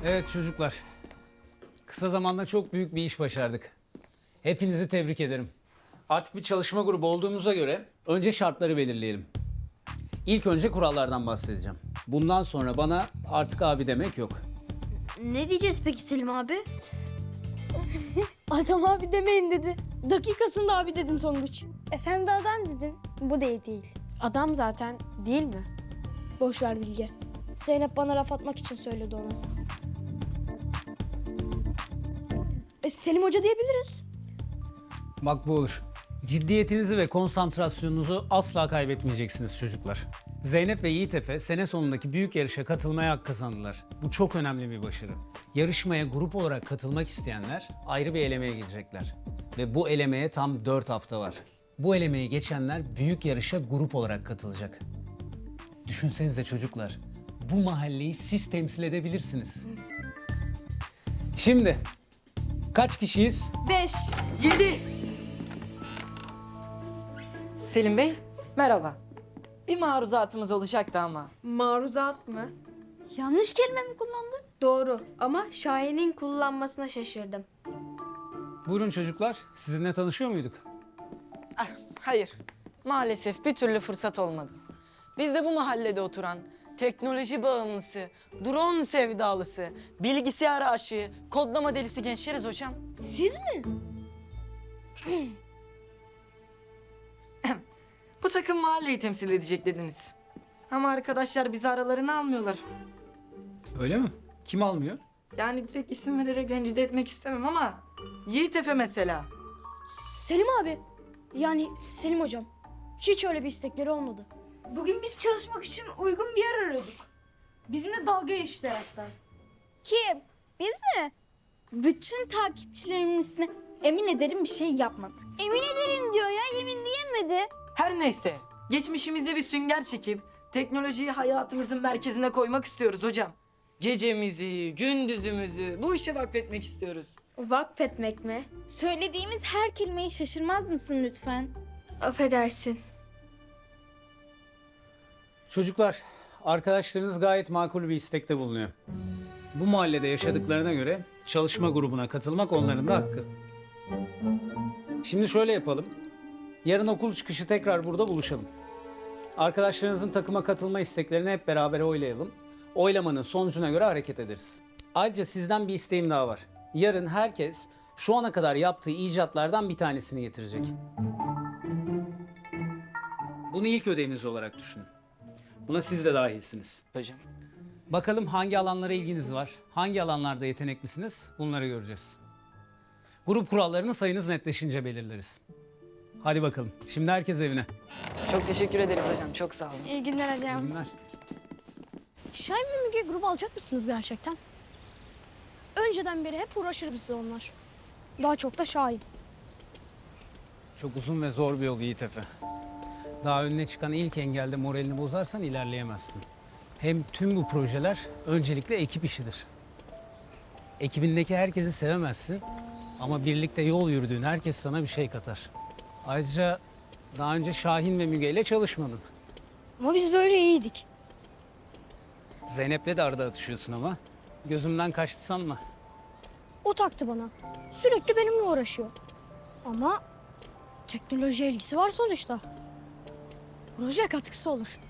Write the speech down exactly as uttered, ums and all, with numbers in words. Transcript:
Evet çocuklar. Kısa zamanda çok büyük bir iş başardık. Hepinizi tebrik ederim. Artık bir çalışma grubu olduğumuza göre önce şartları belirleyelim. İlk önce kurallardan bahsedeceğim. Bundan sonra bana artık abi demek yok. Ne diyeceğiz peki Selim abi? Adam abi demeyin dedi. Dakikasında abi dedin Tonguç. E sen de adam dedin. Bu da iyi değil. Adam zaten değil mi? Boş ver Bilge. Zeynep bana laf atmak için söyledi onu. E, Selim Hoca diyebiliriz. Bak bu olur. Ciddiyetinizi ve konsantrasyonunuzu asla kaybetmeyeceksiniz çocuklar. Zeynep ve Yiğit Efe sene sonundaki büyük yarışa katılmaya hak kazandılar. Bu çok önemli bir başarı. Yarışmaya grup olarak katılmak isteyenler ayrı bir elemeye girecekler. Ve bu elemeye tam dört hafta var. Bu elemeyi geçenler büyük yarışa grup olarak katılacak. Düşünsenize çocuklar, bu mahalleyi siz temsil edebilirsiniz. Şimdi kaç kişiyiz? Beş. Yedi. Selim Bey, merhaba. Bir maruzatımız olacaktı ama. Maruzat mı? Yanlış kelime mi kullandın? Doğru ama Şahin'in kullanmasına şaşırdım. Buyurun çocuklar, sizinle tanışıyor muyduk? Ah, hayır, maalesef bir türlü fırsat olmadı. Biz de bu mahallede oturan, teknoloji bağımlısı, drone sevdalısı, bilgisayar aşığı, kodlama delisi gençleriz hocam. Siz mi? Bu takım mahalleyi temsil edecek dediniz. Ama arkadaşlar bizi aralarına almıyorlar. Öyle mi? Kim almıyor? Yani direkt isim vererek rencide etmek istemem ama... Yiğit Efe mesela. Selim abi. Yani Selim hocam. Hiç öyle bir istekleri olmadı. Bugün biz çalışmak için uygun bir yer arıyorduk. Bizimle dalga geçtiler hatta. Kim? Biz mi? Bütün takipçilerimin üstüne emin ederim bir şey yapmadı. Emin ederim diyor ya. Yemin diyemedi. Her neyse, geçmişimize bir sünger çekip teknolojiyi hayatımızın merkezine koymak istiyoruz hocam. Gecemizi, gündüzümüzü bu işe vakfetmek istiyoruz. Vakfetmek mi? Söylediğimiz her kelimeyi şaşırmaz mısın lütfen? Affedersin. Çocuklar, arkadaşlarınız gayet makul bir istekte bulunuyor. Bu mahallede yaşadıklarına göre çalışma grubuna katılmak onların da hakkı. Şimdi şöyle yapalım. Yarın okul çıkışı tekrar burada buluşalım. Arkadaşlarınızın takıma katılma isteklerini hep beraber oylayalım. Oylamanın sonucuna göre hareket ederiz. Ayrıca sizden bir isteğim daha var. Yarın herkes şu ana kadar yaptığı icatlardan bir tanesini getirecek. Bunu ilk ödeviniz olarak düşünün. Buna siz de dahilsiniz. Hocam. Bakalım hangi alanlara ilginiz var, hangi alanlarda yeteneklisiniz, bunları göreceğiz. Grup kurallarını sayınız netleşince belirleriz. Hadi bakalım, şimdi herkes evine. Çok teşekkür ederiz hocam, çok sağ olun. İyi günler İyi hocam. günler. Şahin ve Müge grubu alacak mısınız gerçekten? Önceden beri hep uğraşır bizle onlar. Daha çok da Şahin. Çok uzun ve zor bir yol Yiğit Efe. Daha önüne çıkan ilk engelde moralini bozarsan ilerleyemezsin. Hem tüm bu projeler öncelikle ekip işidir. Ekibindeki herkesi sevemezsin ama birlikte yol yürüdüğün herkes sana bir şey katar. Ayrıca daha önce Şahin ve Müge ile çalışmadın. Ama biz böyle iyiydik. Zeynep'le de arada atışıyorsun ama. Gözümden kaçtı sanma. O taktı bana. Sürekli benimle uğraşıyor. Ama teknoloji ilgisi var sonuçta. Proje katkısı olur.